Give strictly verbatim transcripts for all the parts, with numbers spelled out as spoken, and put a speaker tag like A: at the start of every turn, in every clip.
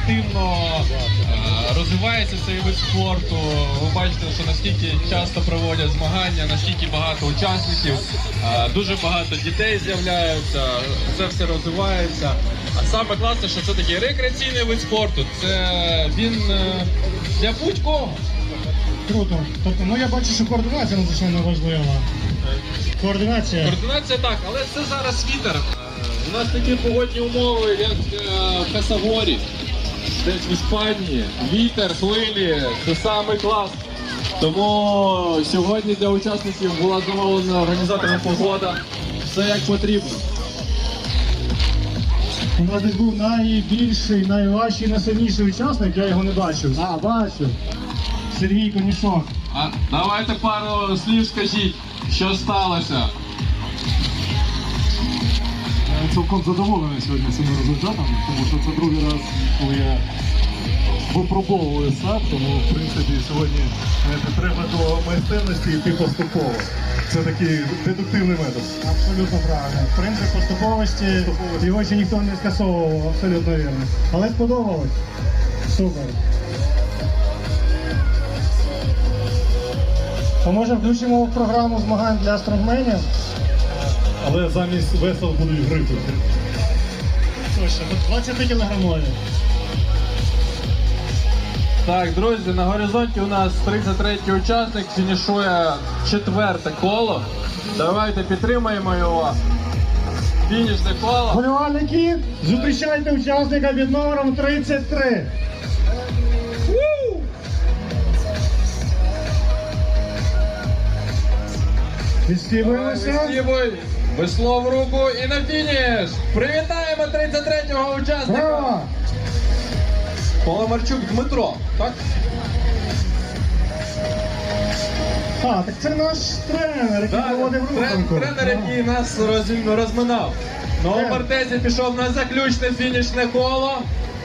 A: активно е, розвивається цей вид спорту. Ви бачите, що наскільки часто проводять змагання, наскільки багато учасників, е, дуже багато дітей з'являються, це все розвивається. А саме класне, що це такий рекреаційний вид спорту. Це він е, для будь-кого.
B: Круто. Тобто, ну я бачу, що координація надзвичайно важлива. Координація.
A: Координація так, але це зараз вітер. У нас такі погодні умови, як в Хасагорі, десь в Іспанії. Вітер, хвилі, це самий клас. Тому сьогодні для учасників була замовлена організатором погода. Все як потрібно.
B: У нас десь був найбільший, найважчий, найсильніший учасник, я його не бачив. А, бачу. Сергій Конішок.
A: А давайте пару слів скажіть, що сталося.
C: Я цілком задоволений сьогодні цим результатом, тому що це другий раз, коли я випробовую сад, тому в принципі сьогодні треба до майстерності йти поступово. Це такий дедуктивний метод.
B: Абсолютно правильно. Принцип поступовості, його ще ніхто не скасовував, абсолютно вірно. Але сподобалось. Супер. То може включимо в програму змагань для стронгменів?
C: Але замість весел будуть грифи.
B: Точно, двадцять кілограмові.
A: Так, друзі, на горизонті у нас тридцять третій учасник, фінішує четверте коло. Давайте підтримаємо його. Фінішне коло.
B: Вболівальники, зустрічайте учасника під номером тридцять три. Відстібуємося.
A: Вистібуй, весло в руку і на фініш. Привітаємо тридцять третього учасника.
B: Браво!
A: Поломарчук Дмитро, так?
B: А, так це наш тренер, який проводив руханку.
A: Тренер, який нас роз- розминав. На Мартезі пішов на заключне фінішне коло.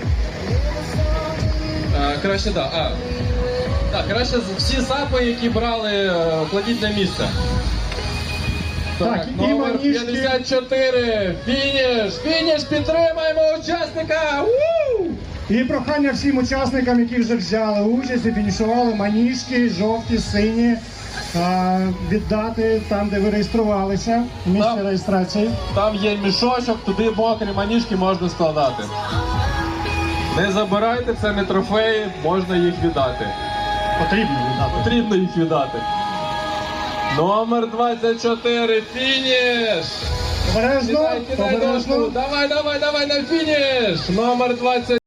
A: А, краще, так. А. Так, краще всі сапи, які брали, е, кладіть на місце.
B: Так, і
A: номер
B: манішки.
A: п'ятдесят чотири. Фініш! Фініш! Підтримаємо учасника! У!
B: І прохання всім учасникам, які вже взяли участь і фінішували, маніжки, жовті, сині, а, віддати там, де ви реєструвалися, в місці
A: Там.
B: реєстрації.
A: Там є мішочок, туди мокрі маніжки можна складати. Не забирайте, це не трофеї, можна їх віддати.
B: Потрібно віддати.
A: Потрібно їх віддати. Номер двадцять чотири, фініш!
B: Обережно,
A: Кидай, кидай
B: обережно.
A: дошку. Давай, давай, давай на фініш! Номер двадцять